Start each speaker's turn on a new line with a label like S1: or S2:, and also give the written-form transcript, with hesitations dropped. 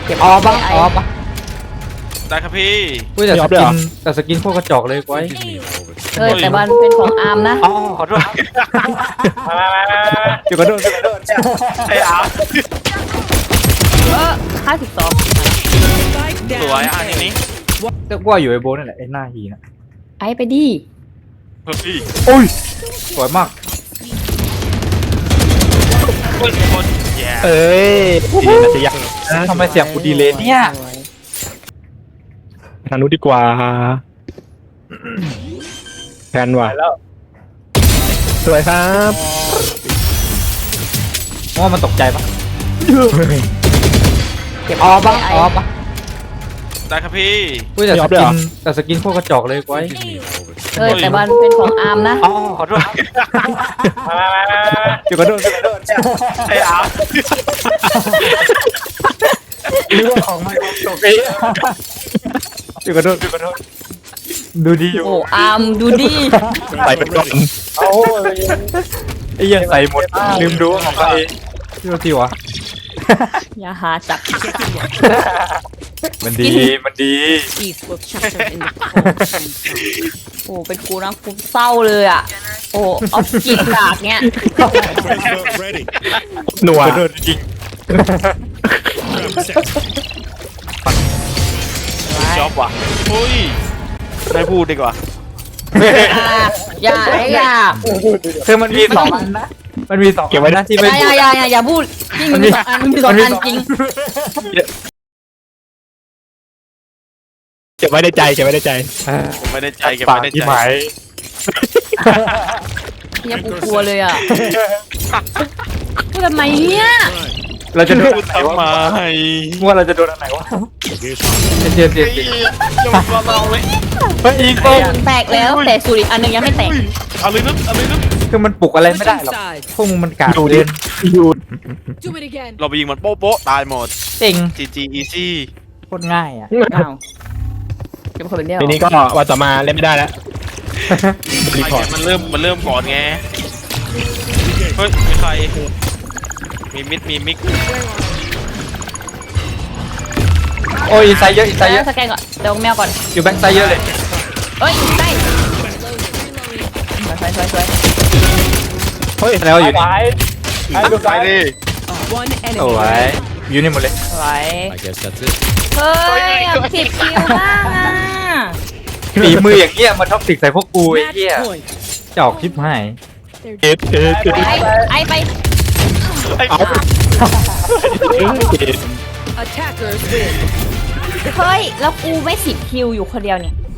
S1: ก็บออฟปะออฟปะ
S2: ได้ครับพี่
S3: อุ้ยแต่สกินโคตรกระจอกเลยก้อย
S1: เฮ้ยแต่มันเป็นของอาร์มนะ
S3: อ๋อขอโทษเดี๋ยวกระโดด
S2: ไอ้อาร์
S1: 52
S2: สวยอ่ะทีนี้
S3: แต่ว่าอยู่ไอโบนั่นแหละไอหน้าฮีนะ
S1: ไอ้ไปดิ
S2: เฮ้ย
S3: อุ้ยสวยมาก
S2: คนแย่
S4: เอ้ยดีนะจะยัง
S3: ทำไมเสียงกูดีเลยเนี่ย
S4: ทางนู้นดีกว่าแพนว่ะสวยครับ
S3: ว่ามันตกใจปะเก็บออฟปะออฟปะ
S2: ได้ครับพี่
S3: อุ้ยแต่สกินโคตรกระจอกเลยก้อย
S1: เฮ้ยแต่มันเป็นของอาร์มนะ
S3: อ๋อขอโทษเดี๋ยวกระโดด
S2: ไอ้อาร์
S3: หรือว่าของมันตกเองเดี๋ยวกระโดดดูดีอยู่
S1: โอ้อาร์มดูดิ
S4: ใส่ไปก่อน
S3: ไอ้ยังใส่หมดลืมดูว่าของใครที่ว่าที่วะ
S1: อย่าหาจับ
S3: มันดี
S1: โอ้เป็นกูนะกูเศร้าเลยอ่ะโอ้ออฟกินกากเนี้ย
S5: Ready.
S4: หนัว
S3: กระโดดจริง
S2: จอบว่ะเฮ้ยไม่พูดดีกว่า
S1: อย่า
S3: คือมันมี2 อันนะมันมี2
S4: เก็บไว้นะ
S3: ที่ไม่พูด
S1: อย่าพูดจริงมันมี2 อันมันมี2 อันจริง
S4: เก็บไว้ในใจเก็บไว้ในใจ
S2: ผมไม่ได้ใจเก็บ
S3: ปาก
S2: ไม่ได้
S3: ที่
S2: ใจ
S3: หมาย
S1: เนี่ยกูกลัวเลยอ่ะพูดทำไมเนี่ย
S3: เราจะโดน
S2: พูดทำไม
S3: ว่าเราจะโดนอันไหนวะ
S5: Okay,
S3: เจ็บ
S2: เฮ้ยจะมาเราเลย
S3: เฮ้ยอีกโก้
S1: แตกแล้วแต่สูตรอีกอันหนึงยังไม่แตก
S2: อะไรนึกอะไรนึก
S3: คือมันปลุกอะไรไม่ได้หรอกพวกมึงมันกาดเดิน
S4: หยุด
S6: Do it again.
S2: เราไปยิงมันโป๊ะโป๊ะตายหมด
S3: เจ๋ง
S2: GG easy
S3: โคตรง่ายอ่ะ
S1: อ้าวเป็นคนเป็นเดียว
S4: ทีนี้ก็วันต่อมาเล่นไม่ได้แล้วรีพอร์ต
S2: มันเริ่มก่อนไงเฮ้ยมีใครมีมิดมีมิก
S3: โอ้ยอินไซด์เยอะ
S1: สแกนก่อนเดี๋ยวแมวก่อน
S3: อยู่แบ็คไซด์เยอะเลย
S1: เอ้ยใช่สวย
S3: เฮ้ยแล้วอยู่นี่
S2: ไปดิ
S6: One
S3: โอ้
S6: enemy.
S3: ยอยู่นี่หมดเลย
S1: สวยเฮ้ย10 คิวบ้างอ่ะ
S3: ฝีมืออย่างเงี้ยมาท็อกซิกใส่พวกกูไอ้เหี้ย
S6: Match point.
S3: จะออกคลิปให้
S4: เอ็ด
S1: ไอไป
S6: Attackers win.
S1: เฮ้ยแล้วกูไม่10 คิวอยู่คนเดียวเนี่ย